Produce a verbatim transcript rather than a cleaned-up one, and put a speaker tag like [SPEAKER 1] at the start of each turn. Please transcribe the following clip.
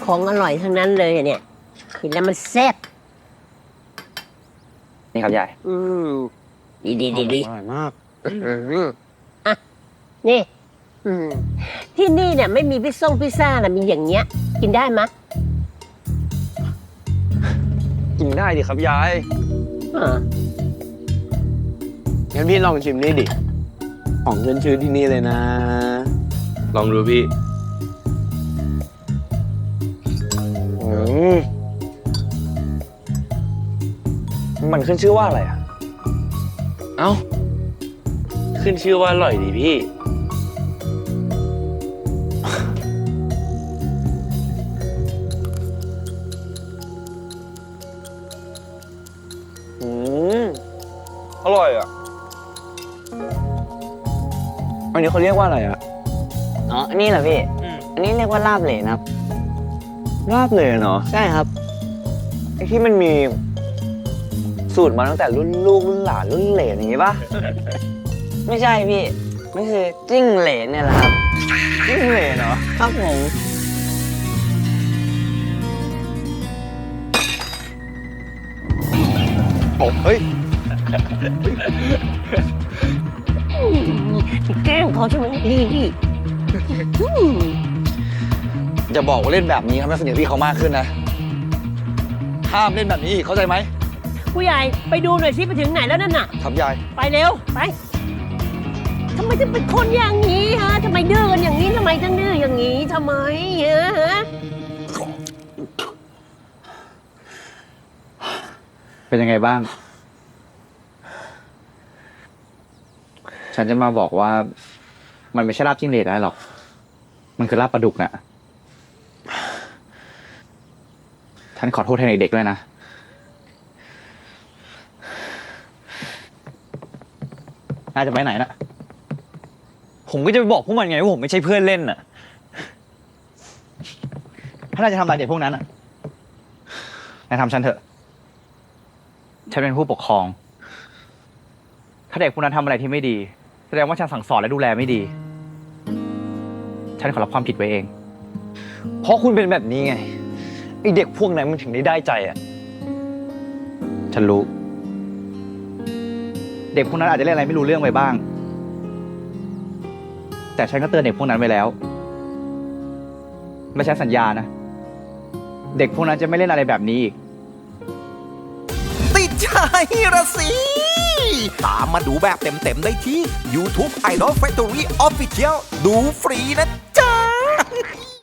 [SPEAKER 1] ของอร่อยทั้งนั้นเลยอะเนี่ยกินแล้วมันแซ่บ
[SPEAKER 2] นี่ครับยาย
[SPEAKER 1] อืมดีดีดีดี
[SPEAKER 3] อร่อยมาก
[SPEAKER 1] อ่ะนี่อืมที่นี่เนี่ยไม่มีพิซซ่งพิซซ่านะมีอย่างเงี้ย กินได้มะ
[SPEAKER 2] กินได้ดิครับยาย
[SPEAKER 1] อ่า
[SPEAKER 3] งั้นพี่ลองชิมนี่ดิ ของขึ้นชื่อที่นี่เลยนะ
[SPEAKER 4] ลองดูพี่
[SPEAKER 2] อืมมันขึ้นชื่อว่าอะไรอ่ะ
[SPEAKER 4] เอ้า ขึ้นชื่อว่าอร่อยดีพี่
[SPEAKER 2] อืมอร่อยอ่ะ อันนี้เขาเรียกว่าอะไรอ่ะ
[SPEAKER 5] อ๋อ อันนี้เหรอพี่ อันนี้เรียกว่าลาบเหลนครับ
[SPEAKER 2] ลาบเลยเนาะ
[SPEAKER 5] ใช่ครับ
[SPEAKER 2] ไอ้ที่มันมีสูตรมาตั้งแต่รุ่นลูกรุ่นหลานรุ่นเหลนอย่างงี้ป่ะ
[SPEAKER 5] ไม่ใช่พี่ไม่คือจิ้งเหลนเนี่ยแหละครับ
[SPEAKER 2] จิ้งเหลนเนาะ
[SPEAKER 5] ครับผม
[SPEAKER 2] โอ้เฮ้ย
[SPEAKER 1] แกล้งเขาใช่ไหมดีดีอืม
[SPEAKER 2] อย่าบอกว่าเล่นแบบนี้ทำให้สนิทพี่เขามากขึ้นนะ ห้ามเล่นแบบนี้อีกเข้าใจไหม
[SPEAKER 1] ผู้ใหญ่ไปดูหน่อยสิไปถึงไหนแล้วนั่นน่ะ
[SPEAKER 2] ครับยาย
[SPEAKER 1] ไปเร็ว ไปทำไมถึงเป็นคนอย่างนี้ฮะทำไมดื้อกันอย่างนี้ทำไมถึงดื้ออย่างนี้ทำไมฮะฮะ
[SPEAKER 6] เป็นยังไงบ้าง ฉันจะมาบอกว่า มันไม่ใช่ลาบจิ้งเหลนได้หรอก มันคือลาบปลาดุกน่ะ ฉันขอโทษแทนเด็กๆด้วยนะ น่าจะไปไหนนะ
[SPEAKER 2] ผมก็จะไปบอกพวกมันไงว่าผมไม่ใช่เพื่อนเล่นน่ะ
[SPEAKER 6] ถ้าน่าจะทำอะไรเด็กพวกนั้นอ่ะนายทำฉันเถอะ ฉันเป็นผู้ปกครอง ถ้าเด็กพวกนั้นทำอะไรที่ไม่ดี แสดงว่าฉันสั่งสอนและดูแลไม่ดี ฉันขอรับความผิดไว้เอง
[SPEAKER 2] เพราะคุณเป็นแบบนี้ไง ไอเด็กพวกนั้นมันถึงได้ได้ใจอ่ะ
[SPEAKER 6] ฉันรู้ เด็กพวกนั้นอาจจะเล่นอะไรไม่รู้เรื่องไปบ้าง แต่ฉันก็เตือนเด็กพวกนั้นไว้แล้ว และฉันสัญญานะ เด็กพวกนั้นจะไม่เล่นอะไรแบบนี้อีก
[SPEAKER 7] ติดใจระสิ ตามมาดูแบบเต็มๆได้ที่ YouTube Idol Factory Official ดูฟรีนะจ๊ะ